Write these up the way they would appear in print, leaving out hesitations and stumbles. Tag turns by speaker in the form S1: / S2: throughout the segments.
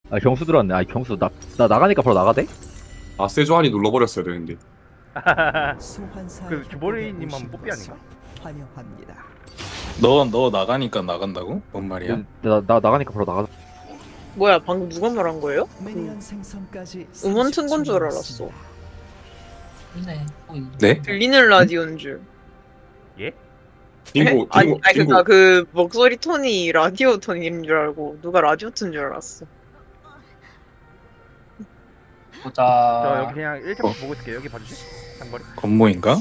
S1: 아 경수 들어왔네. 아 경수 나 나가니까 바로 나가대?
S2: 아 세조한이 눌러버렸어야 되는데.
S3: 그 주보리님 한번 뽀삐 아닌가?
S4: 환영합니다.
S5: 너 나가니까 나간다고? 뭔 말이야?
S1: 나 나가니까 바로 나가.
S6: 뭐야 방금 누가 말한 거예요?
S4: 미니언 생성까지
S6: 음원 튼 건 줄
S4: 30초
S6: 알았어.
S7: 있네. 또 있네.
S5: 네?
S6: 들리는 라디오인 줄.
S3: 예?
S2: 딩고
S6: 아니
S2: 딩고
S6: 그니까
S2: 딩고.
S6: 그 목소리 톤이 라디오 톤인 줄 알고 누가 라디오 튼 줄 알았어.
S3: 저
S7: 보자.
S3: 여기 그냥 1차 보고 있을게요. 여기 봐주시. 상거리.
S5: 건모인가?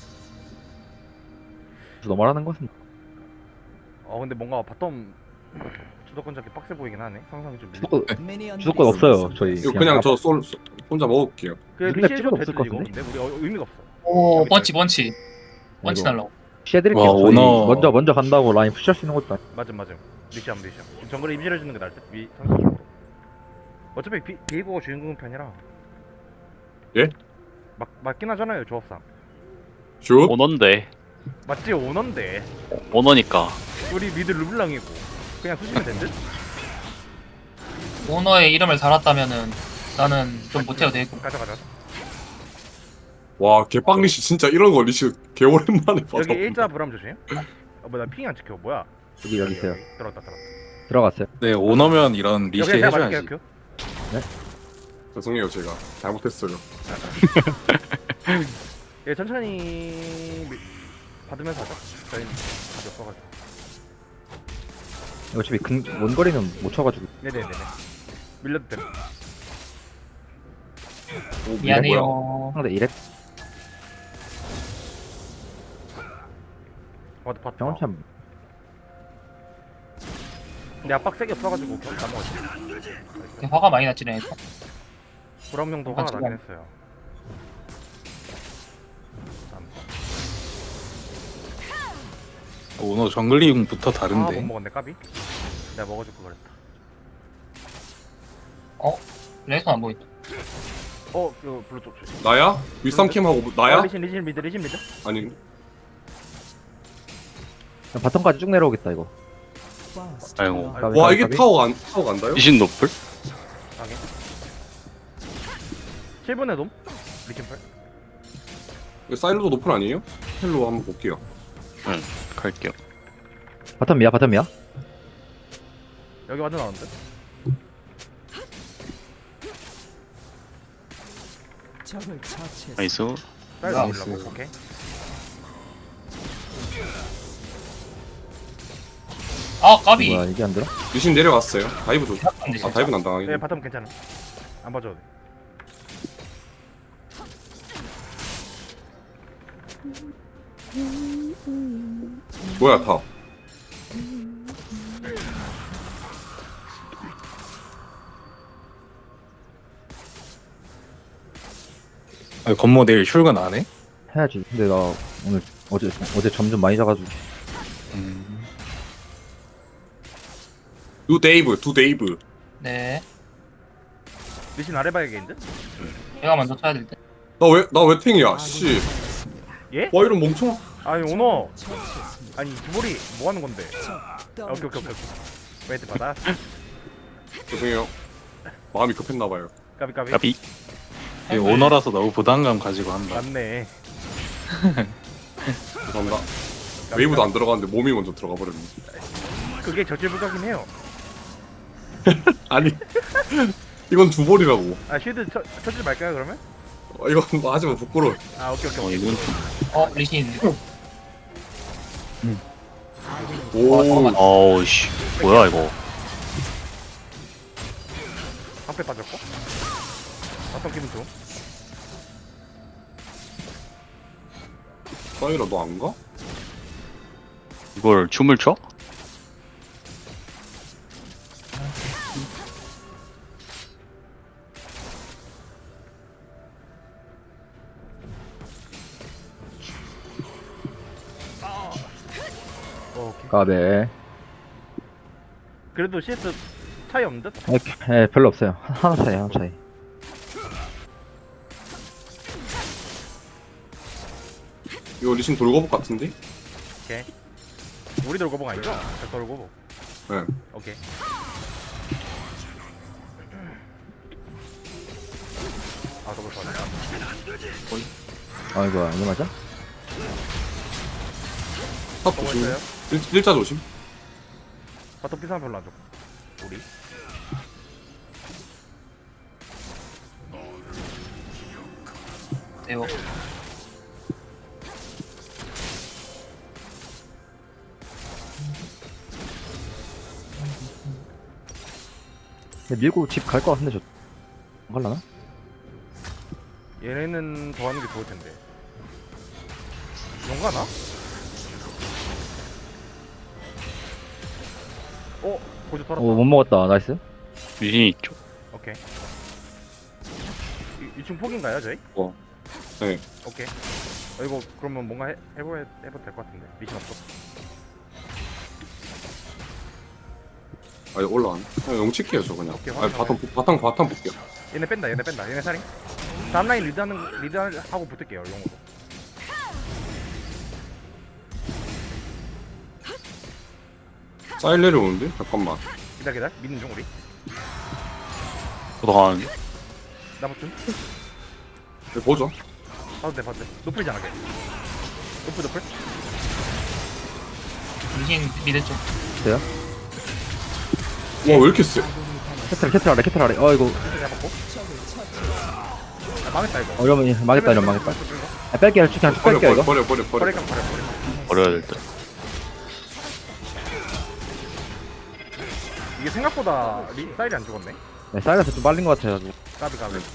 S1: 너 말하는 것은
S3: 근데 뭔가 바텀 주도권 잡기 빡세 보이긴 하네. 상상이 좀 밀려.
S1: 주도권
S4: 미니언
S1: 주도권 없어요. 저희
S2: 이거 그냥 저 혼자 먹을게요.
S3: 그
S1: 우리가
S3: 리시해줘도
S1: 찍을
S3: 되지
S1: 것
S3: 이거.
S1: 같은데?
S3: 근데 우리 의미가 없어.
S7: 오 번치 번치 번치
S1: 이거.
S7: 날라고.
S1: 시해드릴게요.
S5: 와,
S1: 저희
S5: 오너.
S1: 먼저 간다고 라인 푸시할 수 있는 것도 아니.
S3: 맞음. 리시하면 리시함. 정글에 임실해주는 게 나을 듯. 상식적으로. 어차피 비에고가 주인공 편이라.
S2: 예?
S3: 맞긴 하잖아요 조합상.
S2: 슛.
S8: 오너인데
S3: 맞지 오너인데.
S8: 오너니까
S3: 우리 미드 르블랑이고 그냥 쑤시면 된 듯?
S7: 오너의 이름을 달았다면은 나는 좀 못해도 되고.
S3: 가자.
S2: 와 개빵리시 진짜 이런 거 리시 개 오랜만에 봐서.
S3: 여기 일자 불암 조심. 뭐나 핑이 안 찍혀. 뭐야?
S1: 여기 있어요.
S3: 들어갔다.
S1: 들어갔어요.
S5: 네 오너면 이런 리시
S3: 여기 제가
S5: 해줘야지.
S3: 맞을게요.
S2: 죄송해요 제가 잘못했어요.
S3: 예 천천히 받으면서 하자. 저희는 답이 없어가지고.
S1: 어차피 원거리는 못 쳐가지고.
S3: 네네네네. 밀려도 돼.
S2: 오, 뭐야.
S7: 미안해요.
S1: 상대 이랩
S3: 와도 봤다.
S1: 병원 참.
S3: 근데 압박 세게 없어가지고 다 먹었지.
S7: 화가 많이 났지 네.
S3: 불암용도 화가 나긴 했어요.
S5: 오너 정글링부터
S3: 못
S5: 다른데.
S3: 먹었네 까비. 내가 먹어줄 걸 그랬다.
S7: 레이선 안 보인다.
S3: 이거 블루 쪽 조심.
S2: 나야? 윗삼캠하고 나야?
S3: 리신 미드.
S2: 아니
S1: 바텀까지 쭉 내려오겠다 이거.
S8: 아이고.
S2: 와 이게 타워 간다요?
S8: 리신 노플?
S3: 하게. 7분의 놈. 리신 팔.
S2: 이거 사일로도 높은 아니에요? 헬로 한번 볼게요.
S8: 응 갈게요.
S1: 바텀이야.
S3: 여기 완전 나왔는데?
S4: 적을 처치했습니다.
S8: 나이스.
S3: 사이드
S7: 나이스.
S3: 올라고. 오케이.
S7: 아 까비.
S1: 뭐야 이게 안 들어?
S2: 리신 내려갔어요. 다이브 조심.
S7: 근데
S2: 아
S7: 진짜.
S2: 다이브는 안 당하긴.
S3: 네 바텀 괜찮아. 안 봐줘도 돼.
S2: 뭐야 타?
S5: 아, 건모 내일 출근 안 해?
S1: 해야지. 근데 나 오늘 어제 잠 좀 많이 자가지고.
S5: 음.
S2: 두 데이브.
S7: 네.
S3: 리신 아래 봐야겠는데?
S7: 내가 먼저 쳐야 될 때.
S2: 나왜 탱이야? 씨.
S3: 예?
S2: 와 이런 멍청.
S3: 아니 오너.
S4: 처치했습니다.
S3: 아니 주보리 뭐 하는 건데?
S4: 적
S3: 오케이. 웨이트 받아.
S2: 죄송해요. 마음이 급했나봐요.
S3: 까비.
S8: 까비.
S5: 이 오너라서 너무 부담감 가지고 한다.
S3: 맞네.
S2: 죄송합니다. 웨이브도 안 들어갔는데 몸이 먼저 들어가 버렸네.
S3: 그게 저질부각이긴 해요.
S2: 아니 이건 주볼이라고.
S3: 아 쉴드 쳐지 말까요 그러면?
S2: 이건 뭐 하지마 부끄러워.
S3: 아 오케이.
S8: 이건
S7: 리신.
S2: 오.
S8: 어우씨 뭐야 이거.
S3: 방패 빠졌고. 어떤 기분 좋음?
S2: 사이라 너 안 가?
S8: 이걸 춤을 춰?
S3: 오케이.
S1: 까베.
S3: 그래도 CS 차이 없는 듯?
S1: 예, 별로 없어요. 하나 차이.
S2: 이거 리신 돌거복 같은데?
S3: 오케이. 우리 돌고봉 아니죠? 저 돌고봉.
S2: 네.
S3: 오케이. 아 더블 파.
S1: 아 이거 이거 맞아?
S2: 탑
S3: 더블
S2: 조심.
S3: 있어요?
S2: 일자 조심.
S3: 바텀 피상 별로 안 좋고. 우리.
S7: 대요.
S1: 근데 밀고 집 갈 것 같은데 안 갈라나?
S3: 얘네는 더 하는 게 좋을 텐데. 용가나? 고주 털었다.
S1: 오 못 먹었다. 나이스.
S8: 미신이 있죠.
S3: 오케이. 2층 폭인가요, 저희?
S2: 네.
S3: 오케이. 이거 그러면 뭔가 해봐도 될 것 같은데. 미션 없어.
S2: 아 올라가네. 그냥 용칠게요 저 그냥.
S3: 오케이,
S2: 아니
S3: 확인하고.
S2: 바텀 볼게요.
S3: 얘네 뺀다. 얘네 살인. 다음 라인 리드하고 붙을게요, 용으로.
S2: 사일 내려오는데? 잠깐만.
S3: 기다려. 믿는 중 우리.
S8: 저도 한
S3: 나 붙음.
S2: 네, 보죠.
S3: 봐도 돼. 노플이잖아, 걔. 노플.
S7: 미신 미드 쪽.
S1: 돼요?
S2: 와 왜 이렇게 세?
S1: 캐틀 아래. 어 이거
S3: 노플 잡았고. 아, 망했다, 이거.
S1: 이러면 망했다. 아, 뺄게요. 그냥 쭉 뺄게요 이거.
S2: 버려.
S3: 버려.
S8: 버려야 될 듯.
S3: 이게 생각보다 사일이 안 죽었네.
S1: 네, 사이러스 좀 빨린 것 같아가지고.
S3: 까비.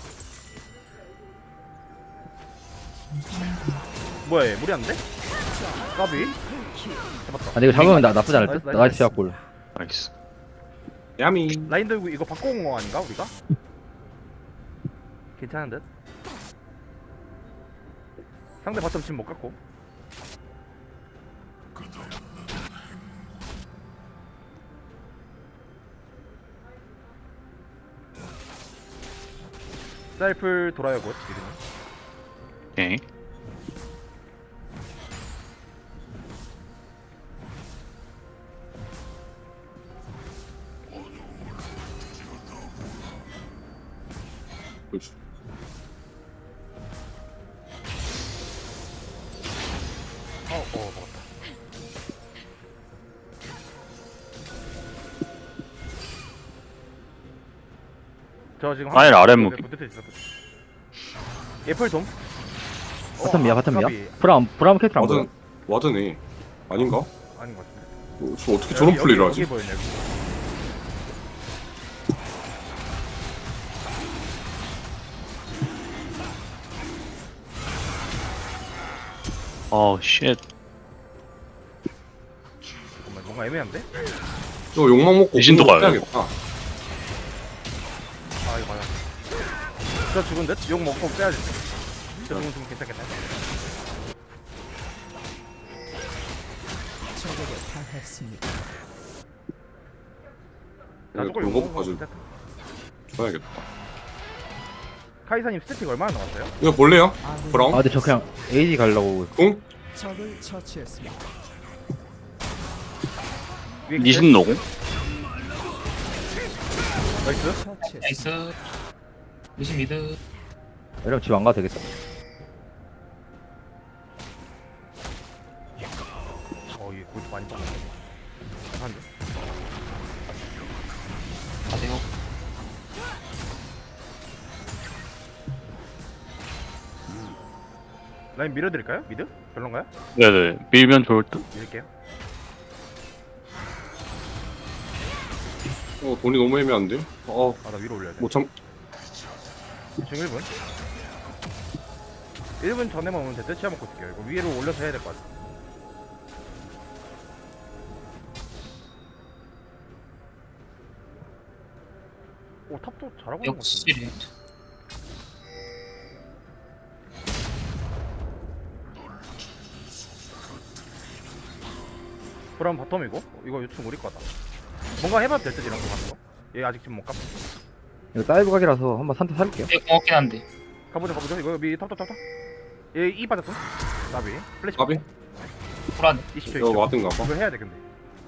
S3: 뭐야 얘 무리한데? 까비. 잡았다.
S1: 아니 이거 잡으면 나쁘지 않을 듯.
S3: 나이스.
S1: 나이스 시합골.
S8: 나이스.
S2: 야미.
S3: 라인 들고 이거 바꿔온 거 아닌가 우리가? 괜찮은 듯? 상대 바텀 지금 못 갖고. 셀플 돌아요 곧 이름은.
S8: 오케이.
S2: 그렇지.
S3: 먹었다. 저 지금
S8: 사일 아래 무기.
S3: 애플 돔.
S1: 바텀이야. 브라움 캐틀 안 보여.
S2: 와드네. 아닌가?
S3: 아닌 것 같은데.
S2: 저 어떻게 저런 플레이를 하지?
S3: 여기 보이네 여기.
S8: 쉣.
S3: 잠깐만 뭔가 애매한데?
S2: 저 욕망 먹고
S8: 미신도
S2: 공격
S8: 가요.
S2: 해야겠다.
S3: 아 이거 맞아. 저 죽은 듯? 욕 먹고 빼야지. 저 죽은 좀 괜찮겠다.
S4: 적에게 당했습니다.
S3: 나저걸
S2: 욕
S3: 욕
S2: 먹고
S3: 먹고
S2: 가지고
S3: 괜찮다.
S2: 줘야겠다.
S3: 카이사님 스태틱 얼마나 남았어요?
S2: 이거 볼래요?
S4: 아군이
S2: 브라운?
S1: 아 근데 저 그냥 AD 가려고.
S2: 공?
S4: 적을 처치했습니다.
S3: 위에
S8: 미신 노공?
S3: 나이스.
S4: 처치했습니다.
S7: 나이스. 미신 미드.
S1: 이러면 집 안 가도 되겠다.
S3: 이게 골드 많이 빠졌네. 한데.
S7: 아 대요.
S3: 라인 밀어드릴까요? 미드? 별론가요?
S8: 네네. 밀면 좋을 듯.
S3: 밀게요.
S2: 돈이 너무 애매한데?
S3: 나 위로 올려야 돼.
S2: 뭐 참.
S3: 지금 1분? 1분 전에만 오면 됐대. 치아 먹고 있을게요. 이거 위로 올려서 해야 될 것 같아. 오 탑도 잘하고 있는 것 같은데.
S7: 역시.
S3: 그럼 바텀이고 이거 유충 우리 거다. 뭔가 해봐도 될듯 이런 거 같은 거. 얘 아직 지금 못 가.
S1: 이거 다이브 각이라서 한번 산타 살릴게요.
S7: 되게 고맙긴 한데.
S3: 가보자. 이거 미 탑. 얘 빠졌어. 나비. 플래시.
S2: 까비?
S7: 불안.
S3: 20초.
S2: 이거 와든가 봐.
S3: 이거 해야 돼 근데.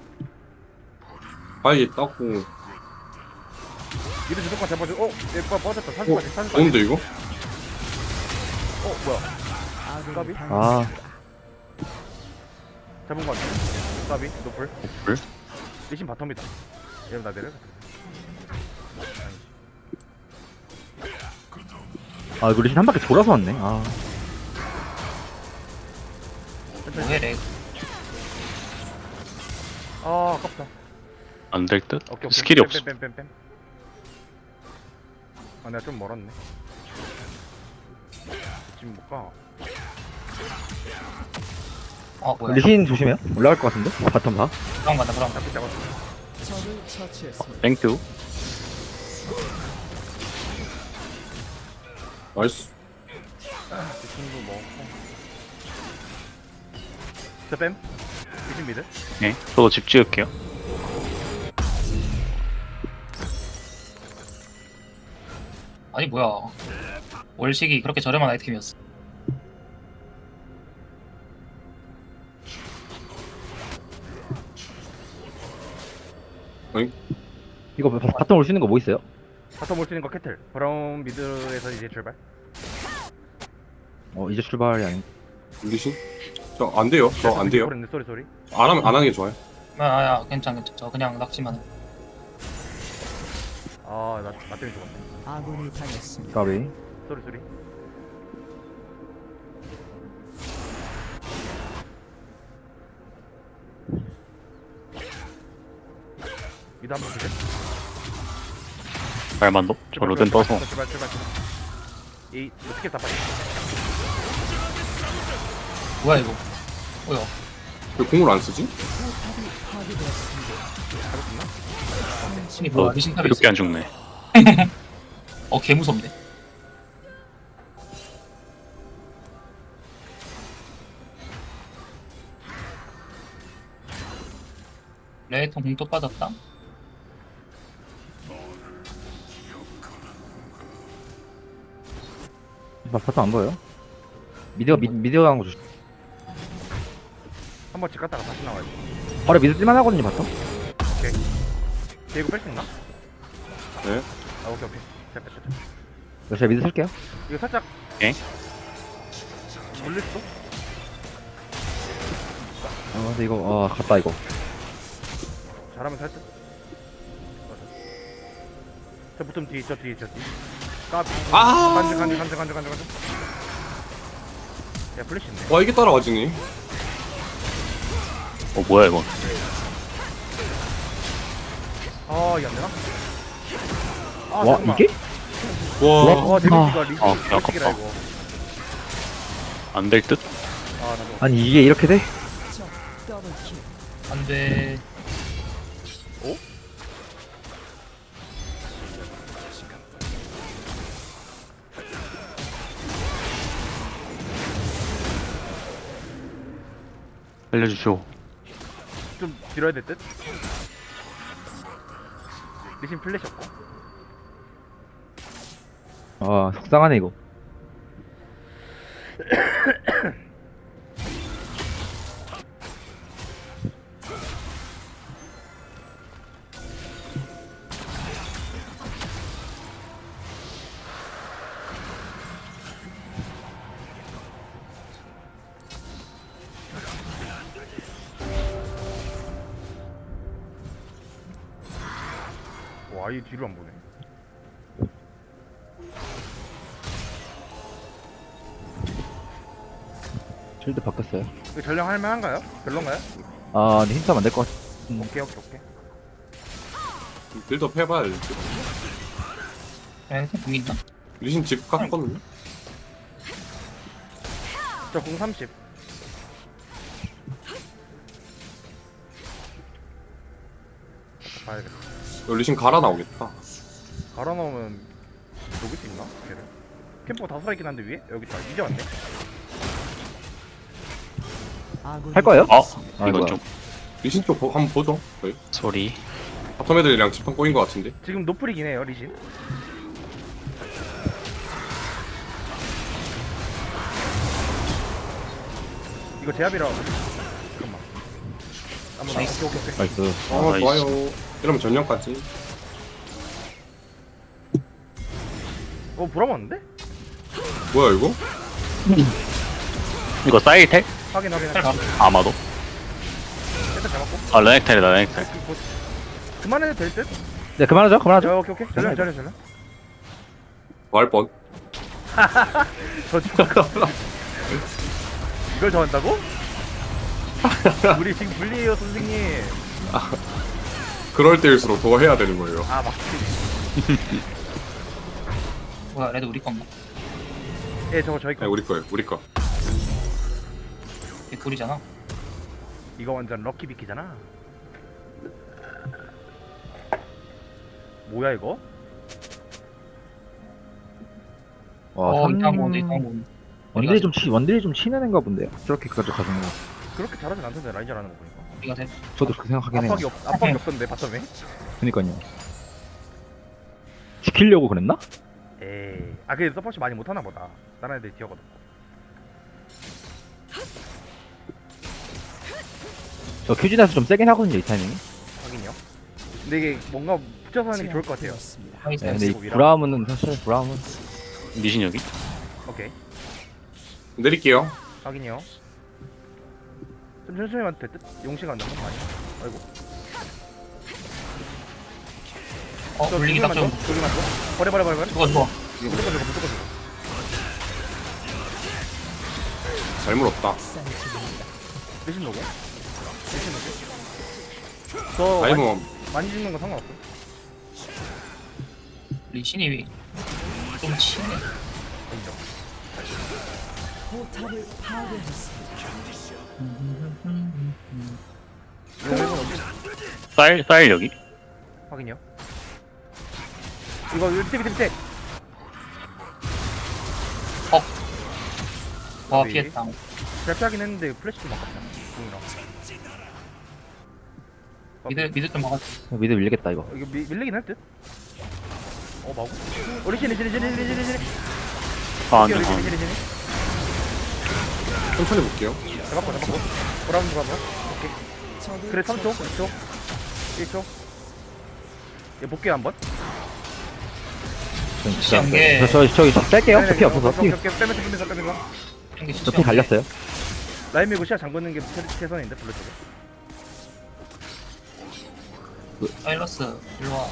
S2: 봐야겠다고.
S3: 미드 주도권 잡아줘. 얘 빠졌다. 40까지.
S2: 좋은데 이거?
S3: 뭐야?
S4: 아군이
S3: 까비?
S4: 당했습니다.
S3: 잡은 거 같아. 까비 노플.
S8: 불?
S3: 리신 바텀이다. 얘는 나 내려.
S1: 아 이거 리신 한 바퀴 돌아서 왔네. 아
S7: 뭐해 렉.
S3: 아 아깝다.
S8: 안 될 듯?
S3: 오케이, 오케이.
S8: 스킬이 없어.
S3: 뺨. 아 내가 좀 멀었네. 지금 못 가.
S7: 뭐야.
S1: 리신 조심해요. 올라갈 것 같은데. 바텀 봐.
S7: 그럼 간다 그럼.
S3: 잡고 잡았어.
S4: 적을 처치했습니다.
S8: 땡큐.
S2: 나이스.
S3: 리신도 먹었고. 저 뺨. 리신 미드.
S8: 네. 저도 집 지을게요.
S7: 아니 뭐야. 월식이 그렇게 저렴한 아이템이었어.
S1: 이거 바텀 올 수 있는 거 뭐 있어요?
S3: 바텀 올수 있는 거 캐틀. 브라운 미드에서 이제 출발.
S1: 이제 출발이 아닌.
S2: 리신? 저 안 돼요. 저 안 돼요.
S3: 소리.
S2: 안 하는 게 좋아요.
S7: 야 괜찮. 저 그냥 낙지만 해.
S3: 아나 때문에 죽었네.
S4: 아군이 당했습니다.
S1: 까비.
S3: 소리. 미드 한번 보자.
S8: 말만도? 저 로덴 떠서.
S3: 출발. 이 스킬 다 빠져.
S7: 뭐야 이거. 뭐야.
S2: 왜 공을 안 쓰지?
S4: 포탑이 파괴되었습니다.
S7: 이게 뭐야. 미신 탑이 있어.
S8: 이렇게 안 죽네.
S7: 개 무섭네. 레이통 공또 빠졌다.
S1: 바텀 안 보여요? 미디어 가는 거 조심.
S3: 한번 집 갔다가 다시 나와야지.
S1: 바로 미드 뜰만 하거든요 바텀.
S3: 제이고 뺄 수 있나?
S2: 네.
S3: 아 오케이. 자.
S1: 제가 미드 쓸게요.
S3: 이거 살짝.
S8: 예?
S3: 물릴 수도?
S1: 근데 이거 갔다 이거.
S3: 잘하면 살짝. 저 붙으면 뒤. 까비.
S2: 아!
S3: 간주. 야 플래시 있네.
S2: 와 이게 따라와지니?
S8: 뭐야 이거.
S3: 이게 안 되나?
S1: 와
S3: 잠깐만.
S1: 이게?
S2: 와.
S3: 데미지가 리시
S8: 아,
S3: 라
S8: 아깝다.
S3: 이거.
S8: 안 될 듯?
S3: 나도.
S1: 아니 이게 이렇게 돼?
S4: 적 더블킬.
S7: 안돼.
S8: 알려주쇼.
S3: 좀 길어야 될 듯? 리신 플래시 없고.
S1: 속상하네 이거.
S3: 와, 이 뒤로 안 보네.
S1: 실드 바뀌었어요.
S3: 이거 전령 할만한가요? 별론가요?
S1: 근데 힌트하면 안 될 것 같아.
S3: 오케이.
S2: 빌드업 해봐야 될 듯.
S7: 공 있나?
S2: 리신 집 갔거든요.
S3: 저 공 30. 봐야겠다.
S2: 리신 갈아 나오겠다.
S3: 갈아 넣으면 녹일 수 있나? 걔를. 캠퍼가 다 살아있긴 한데 위에? 여기 다 이제 왔네.
S4: 아군이
S1: 할 거예요?
S8: 이건
S1: 이거야.
S8: 좀
S2: 리신 쪽 한번 보죠. 저희
S8: 소리.
S2: 바텀 애들이랑 집판 꼬인 것 같은데.
S3: 지금 노플이긴 해요, 리신. 이거 제압이라. 잠깐만. 한번
S7: 나이스.
S3: 오케이.
S1: 나이스.
S8: 나이스.
S2: 좋아요. 이러면 전령까지.
S3: 보람 왔는데?
S2: 뭐야 이거?
S8: 이거 사이텔?
S3: 확인.
S8: 아마도.
S3: 일단 잡았고.
S8: 아 레넥텔이다 레넥텔.
S3: 그만해도 될 듯?
S1: 네, 그만하죠. 그만하죠.
S3: 야, 오케이. 전령.
S2: 뭐할 뻔.
S3: 저 이걸 저 한다고? 우리 지금 불리해요, 선생님.
S2: 그럴 때일수록 더 해야 되는 거예요.
S3: 아, 막.
S7: 뭐야 레드 우리 건가?
S3: 예, 저거 저희
S2: 네,
S3: 거.
S2: 우리 거예요. 우리 거.
S7: 이게 둘이잖아.
S3: 이거 완전 럭키 비키잖아. 뭐야 이거?
S1: 와,
S7: 이상한 거 이상한 거.
S1: 원딜이 좀 치는 애인가 본데요. 저렇게까지 가는 거.
S3: 그렇게 잘하진 않던데 라인 잘하는 거 보니까.
S7: 우리가 돼.
S1: 저도 그렇게 생각하긴 해요.
S3: 압박이 없던데 바텀에?
S1: 그니까요. 지키려고 그랬나?
S3: 에이. 아, 그래 서포트 많이 못하나 보다. 다른 애들 기어거든.
S1: 저 큐진에서 좀 세긴 하거든요, 이 타이밍이.
S3: 확인요. 근데 이게 뭔가 붙여서 하는 게 좋을 것 같아요.
S4: 제압되었습니다.
S7: 하이스.
S1: 네, 근데 이
S3: 미라.
S1: 브라움은 사실 브라움은
S8: 미신 여기?
S3: 오케이.
S2: 내릴게요.
S3: 확인이요. 좀 천천히 와도 될 듯? 용시가 안 나는 거 아니야? 아이고.
S7: 불리기 딱 좀.
S3: 돌리만 줘. 버려.
S7: 죽어 죽어.
S3: 무조건 죽어.
S2: 잘 물었다.
S4: 쌀집입니다.
S3: 리신 노고. 저
S2: 다이몬.
S3: 많이 죽는 건 상관없어.
S7: 우리 신입이 좀 치네.
S3: 인정.
S4: 포탑을 파괴했습니다.
S3: 용은 어디?
S8: 쌀 여기?
S3: 확인이요. 이거 밑에.
S7: 와
S3: 우리.
S7: 피했다.
S3: 잘 피하긴 했는데 플래시 좀 아깝다. 궁이랑.
S7: 미드 좀 막았.
S1: 미드 밀리겠다 이거.
S3: 이거 밀리긴 할 듯? 마구? 리신.
S8: 아 안돼
S3: 리신.
S2: 천천히 볼게요.
S3: 잡았고. 보라는 누가 뭐? 오케이.
S4: 적을
S3: 그래 3초, 2초, 1초. 얘 볼게요 한번.
S7: 시한 게
S1: 저기 뺄게요.
S3: 네,
S1: 저피 없어서 피.
S3: 빼면서.
S1: 저피 갈렸어요.
S3: 라인 밀고 시야 잠그는 게 최선인데 블루 쪽에.
S7: 사일러스 일로 와.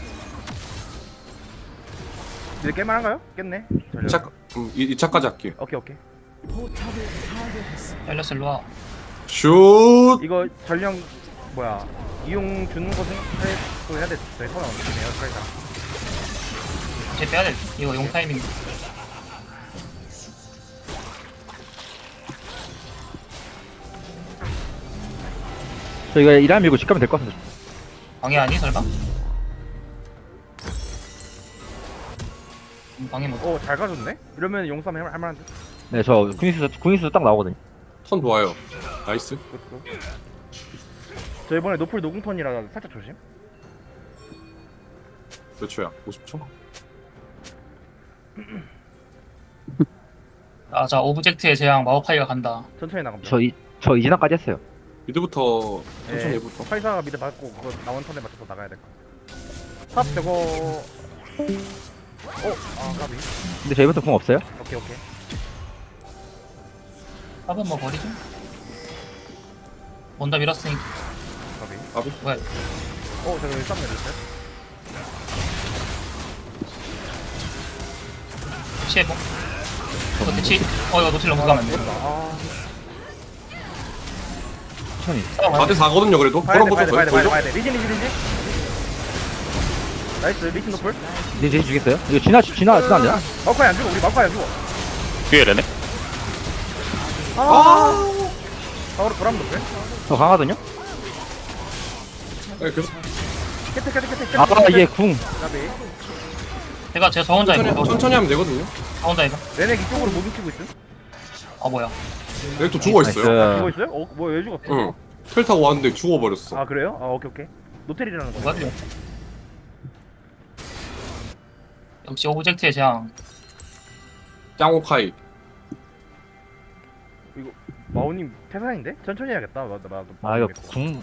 S3: 이제 깰만한가요? 깼네.
S2: 2차, 2차까지 할게요.
S4: 포탑을
S3: 오케이.
S4: 파괴했습니다.
S7: 사일러스 일로 와.
S2: 슛!
S3: 이거 전령 뭐야 이용 주는 거 생각해서 해야 돼. 저희 선언 없네요. 그러니까.
S7: 이제 빼야 돼. 이거 용 타이밍.
S1: 저 이거 이란 밀고 집 가면 될 것 같은데.
S7: 방해 아니 설마? 방해 못.
S3: 잘 가졌네. 이러면 용삼 할만한데.
S1: 네, 저 궁이수 딱 나오거든요.
S2: 턴 좋아요. 나이스.
S3: 저 이번에 노플 노궁턴이라 살짝 조심.
S2: 몇 초야? 50초?
S7: 자 오브젝트의 재앙 마오카이가 간다.
S3: 천천히 나갑니다.
S1: 저 이진화까지 했어요.
S2: 미드부터 천천히
S3: 네,
S2: 해부터.
S3: 파이사가 미드 받고 그거 나온 턴에 맞춰서 나가야 될 것 같아. 탑 저거. 까비.
S1: 근데 저희부터 궁 없어요?
S3: 오케이.
S7: 한번 뭐 버리죠? 원다 밀었으니까.
S3: 까비.
S7: 뭐야?
S3: 저거 쌈 내렸어요?
S7: 피해보. 이거 대치. 이거 노틸 너무 가면 안 돼.
S1: 천천히.
S2: 4대4거든요, 그래도.
S3: 봐야 돼.
S2: 보죠, 보죠.
S3: 리진. 나이스, 리진 노플.
S1: 이제 주겠어요? 이거 지나 안 되나?
S3: 마우카이 안 죽어, 우리 마우카이 안 죽어.
S8: 뒤에 레넥?
S3: 바로 보람 노플.
S1: 저 강하거든요?
S2: 네, 계속
S3: 캐트.
S1: 아, 이게 궁.
S3: 까비.
S7: 제가 저 혼자 이거.
S2: 천천히 하면 되거든요.
S7: 저 혼자 이거.
S3: 레넥 이쪽으로 못 움키고 있음.
S7: 뭐야?
S2: 여기 또 죽어있어요.
S3: 죽어 있어요? 왜 죽었어?
S2: 응. 텔 타고 왔는데 죽어버렸어.
S3: 아, 그래요? 오케이. 노텔이라는 거.
S7: 뭐야? 역시 오브젝트의 재앙.
S2: 짱오카이.
S3: 마오님 태산인데? 천천히 해야겠다.
S1: 아, 이거 궁.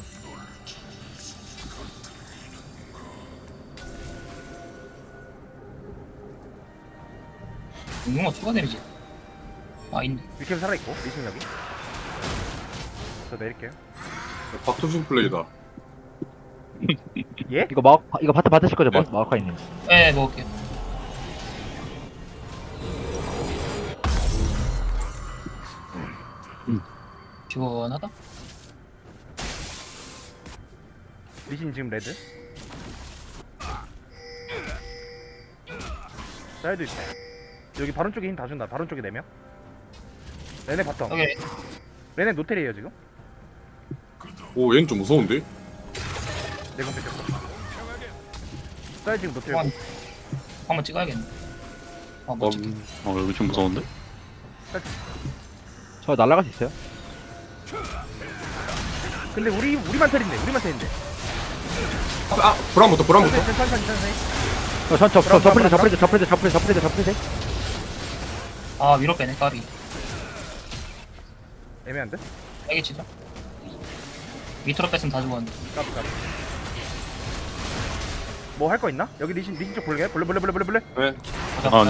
S7: 이거 추가 데미지. 아 있네.
S3: 위캠 살아있고 리신 여기. 저 내릴게요.
S2: 박토신 플레이다.
S3: 예?
S1: 이거 바트 받으실 거죠?
S2: 네.
S1: 마오카이님.
S7: 네 먹을게요. 시원하다.
S3: 리신 지금 레드. 사이드 있다. 여기 바론 쪽에 힘 다 준다. 바론 쪽에 4명. 레네 바텀.
S7: 여기
S3: 레네 노텔이에요 지금.
S2: 오, 얘는 좀 무서운데?
S3: 내공 뺏겼어. 사이드 지금 노텔.
S7: 한번 찍어야겠네. 아 못 찍.
S8: 여기 좀 무서운데?
S1: 저 날아갈 수 있어요?
S3: 근데 우리만 텔인데. 우리만 텔인데.
S2: 아, 브라운부터.
S3: 천천히.
S1: 저 프리드.
S7: 아 위로 빼네 까비.
S3: 애매한데?
S7: 세게 치자. 밑으로 뺐으면 다 죽었는데.
S3: 까비. 뭐 할 거 있나? 여기 리신 쪽 볼래? 볼래?
S2: 네.
S7: 보자.
S8: 아.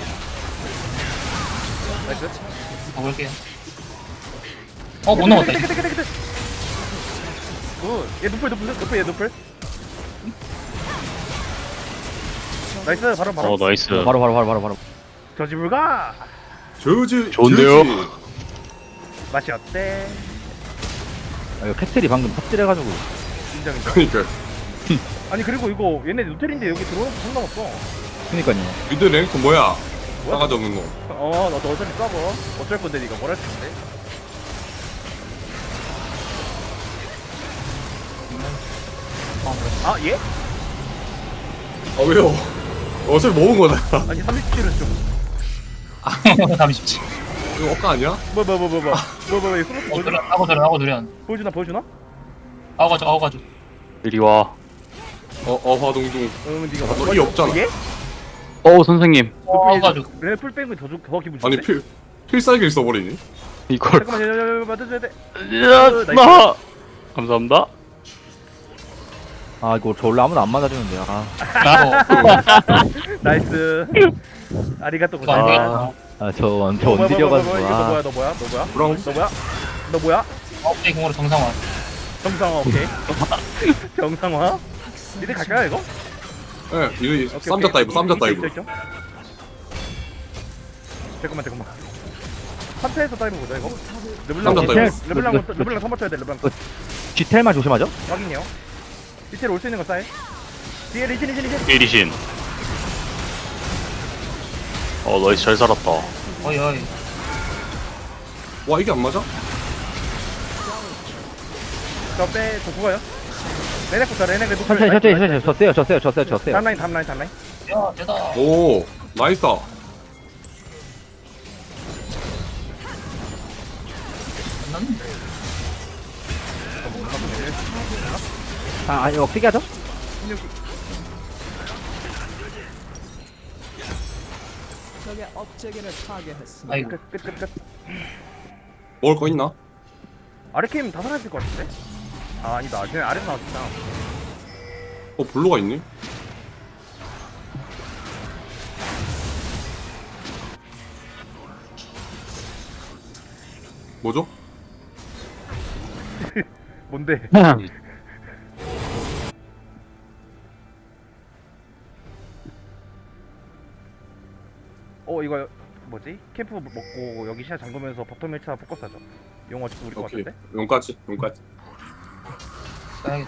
S3: 나이스.
S7: 먹을게요. 못 넘었다. 이거.
S3: 굿. 얘 노플. 나이스. 바로.
S8: 나이스.
S1: 바로.
S3: 저 집을 가.
S2: 저지.
S8: 좋은데요?
S2: 저지.
S3: 맛이 어때?
S1: 아, 이거 캐틀이 방금 탑질해가지고.
S3: 인정.
S2: 그니까.
S3: 아니 그리고 이거 얘네 노텔인데 여기 들어오는 거 상관없어.
S1: 그니까요.
S2: 미드 랭크 뭐야? 싸가지 없는 거.
S3: 너도 어차피 싸고 어쩔 건데 니가 뭘 할 수 있는데? 아 예?
S2: 아, 왜요? 어차피 먹은 거잖아.
S3: 아니 30kg는 좀
S7: 잠시지.
S2: 이거 억까 아니야?
S3: 뭐 스로스 보여주나?
S7: 하고 들여.
S3: 보여주나?
S7: 아고 가죠.
S8: 이리 와.
S2: 화동중.
S3: 니가
S2: 너 이 없잖아.
S3: 예?
S8: 선생님.
S7: 아고 가죠.
S3: 레 풀뱅크 더 기분
S2: 아니,
S3: 좋은데?
S2: 필살기를 써버리니?
S8: 이걸.
S3: 잠깐만 맞아줘야 돼.
S8: 나. 감사합니다.
S1: 아, 이거 저 원래 아무도 안 맞아주는데. 아,
S3: 나이스. 아리가또
S7: 이거 안
S3: 고자이마스.
S7: 되겠다.
S1: 저 원딜이어가지고.
S3: 이거
S1: 아,
S3: 너 뭐야?
S2: 브라운.
S3: 너 뭐야?
S7: 업데이 공으로 정상화.
S3: 정상화 오케이. 정상화? 니네 갈까요 이거?
S2: 예, 이거
S3: 오케이,
S2: 쌈자 다이브.
S3: 있죠. 잠깐만. 한태에서 다이브 보자 이거. 르블랑
S2: 쌈자 다이브.
S3: 르블랑 선발 쳐야 돼. 르블랑
S1: G텔만 조심하죠?
S3: 확인이요. 디테일 올 수 있는 거 싸해. 뒤에 리신.
S8: 리신. 나이스 잘 살았다.
S7: 어이.
S2: 와, 이게 안 맞아?
S3: 저 죽어요. 레넥부터 레넥
S1: 천천히. 저 세요.
S3: 다음라인.
S7: 야 되다.
S2: 오, 나이스.
S7: 만났는데.
S1: 이거 크게 하죠?
S4: 적의 업체계를 파괴했습니다.
S7: 아이고.
S3: 끝.
S2: 먹을 거 있나?
S3: 아르케임 다 살아있을 것 같은데? 아 아니다. 쟤네 아래서 나왔잖아.
S2: 블루가 있니? 뭐죠?
S3: 뭔데? 이거 뭐지? 캠프 먹고 여기 시야 잠그면서 버텀 1차 포커스 하죠. 용어 지금 우리 거
S2: 오케이.
S3: 같은데?
S2: 용까지.
S7: 써야겠다.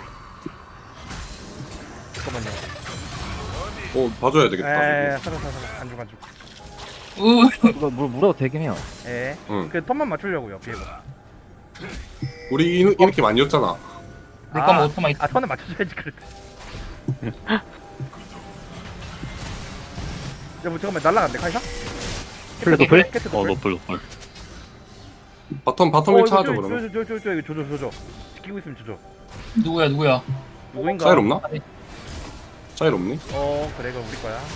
S3: 잠깐만요.
S2: 봐줘야 되겠다.
S3: 사라 안 죽.
S1: 이거 물어도 되긴 해요.
S2: 응.
S3: 그 턴만 맞추려고요. 비에고.
S2: 우리 이렇게 많이 였잖아.
S7: 내 거면 오토마이트.
S3: 턴을 맞춰줘야지 그랬대. 뭐 잠깐만 날라간대 카이사?
S1: 플레 노플?
S3: 캐트
S8: 노플.
S2: 바텀 1차 하죠, 그러면.
S3: 이거 조져. 지키고 있으면 조져.
S7: 누구야?
S3: 누구인가?
S2: 차일 없나? 차일 없니?
S3: 그래 그럼 우리 거야.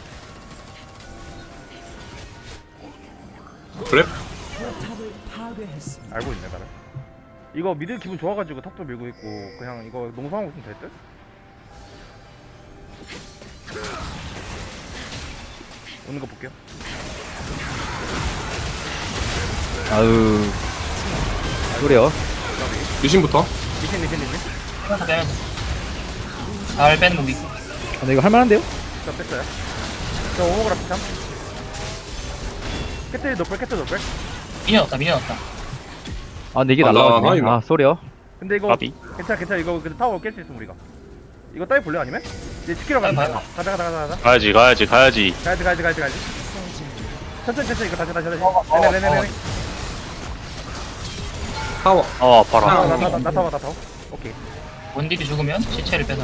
S2: 그래?
S4: 탑을 파괴했습니다.
S3: 알고 있네 나를. 이거 미드 기분 좋아가지고 탑도 밀고 있고 그냥 이거 농성하고 있으면 될 듯? 오는 거 볼게요.
S1: 아유. 그래요.
S2: 리신부터.
S3: 리신.
S7: 빼면서 빼면서. 잘 빼는 거 믿고.
S1: 아, 근데 이거 할만한데요?
S3: 저 뺐어요. 저 오버그라프 참. 캐틀 노플.
S7: 미녀 없다.
S1: 아, 근데 이게
S2: 아, 나
S1: 날라가네.
S2: 하이나.
S1: 아, 쏘리요.
S3: 근데 이거
S8: 까비.
S3: 괜찮아. 이거 근데 타워 깰 수 있음 우리가. 이거 따위 볼래 아니면? 이제 지키러 가자.
S7: 봐요.
S3: 가자.
S8: 가야지.
S3: 가야지. 천천히 이거 다시. 네네네네.
S2: 타워.
S8: 아, 아파라.
S3: 나 타워. 오케이.
S7: 원딜이 죽으면 시체를 빼서.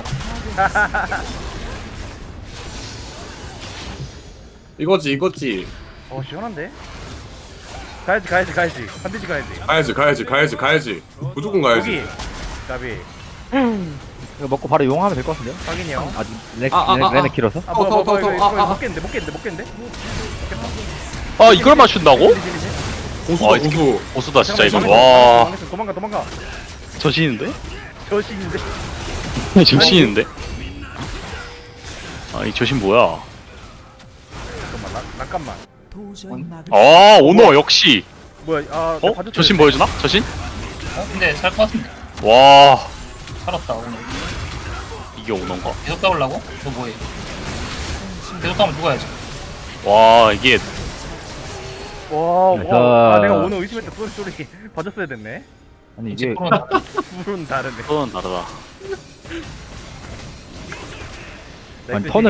S2: 이거지.
S3: 시원한데? 가야지. 반드시 가야지.
S2: 가야지. 무조건 가야지.
S3: 여기. 가비.
S1: 이거 먹고 바로 용하면 될 것 같은데요?
S3: 확인이요.
S1: 아직
S2: 아.
S1: 레네 길어서?
S3: 아 뭐야
S2: 타워.
S3: 이거 못 깼는데?
S8: 아, 이걸 맞춘다고?
S2: 고수다
S8: 아, 이 새끼
S2: 고수.
S8: 보수다, 진짜 이거.
S3: 도망가.
S8: 와,
S3: 도망가.
S8: 저신인데?
S3: 저신인데?
S8: 정신인데? 아, 이 저신 뭐야?
S3: 잠깐만.
S4: 도저히 막을
S8: 아, 오너 역시.
S3: 뭐야? 아,
S8: 어? 저신 보여주나? 저신?
S7: 근데 살 것 같은데.
S8: 와,
S7: 살았다 오늘.
S8: 이게 오너인가?
S7: 계속 가보려고? 너 뭐해? 계속 가면 누가야지.
S8: 와, 이게
S3: 와,
S1: 그래서-
S3: 내가 오늘 의심했다. 쏘리 봐줬어야 됐네.
S1: 아니, 이게.
S3: 물은 다르네.
S8: 또는 다르다.
S1: 아니, 턴을